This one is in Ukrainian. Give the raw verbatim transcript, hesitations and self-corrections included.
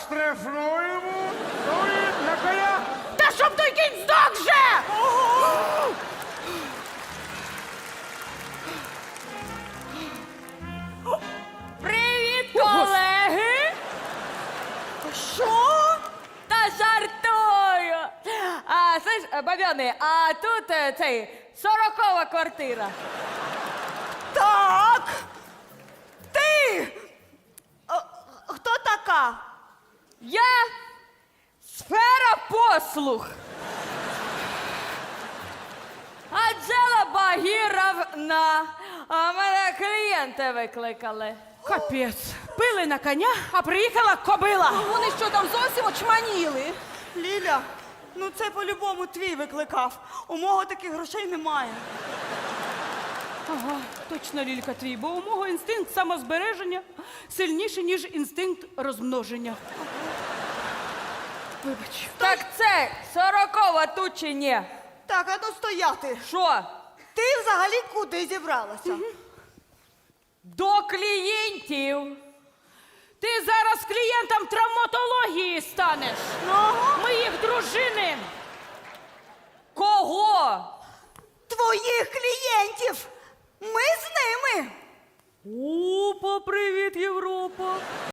Штрафуємо. Стоїть на коня. Та щоб той кінь здох вже! Привіт, колеги! Що? Та жартую! А, слиш, бабьони, а тут е, цей сорокова квартира. Так. Ти! А, хто така? Я сфера послуг. Анжела Багіровна. А мене клієнти викликали. Капець. Пили на коня, а приїхала кобила. Вони що там зовсім очманіли? Ліля, ну це по-любому твій викликав. У мого таких грошей немає. Ага, точно, Лілька, твій, бо у мого інстинкт самозбереження сильніший, ніж інстинкт розмноження. Вибач. Так це сорокова тут чи ні? Так, а ну стояти. Що? Ти взагалі куди зібралася? До клієнтів. Ти зараз клієнтом травматології станеш. Ага. Моїх дружини. Кого? Твоїх клієнтів. Ми з ними. Опа, привіт, Європа.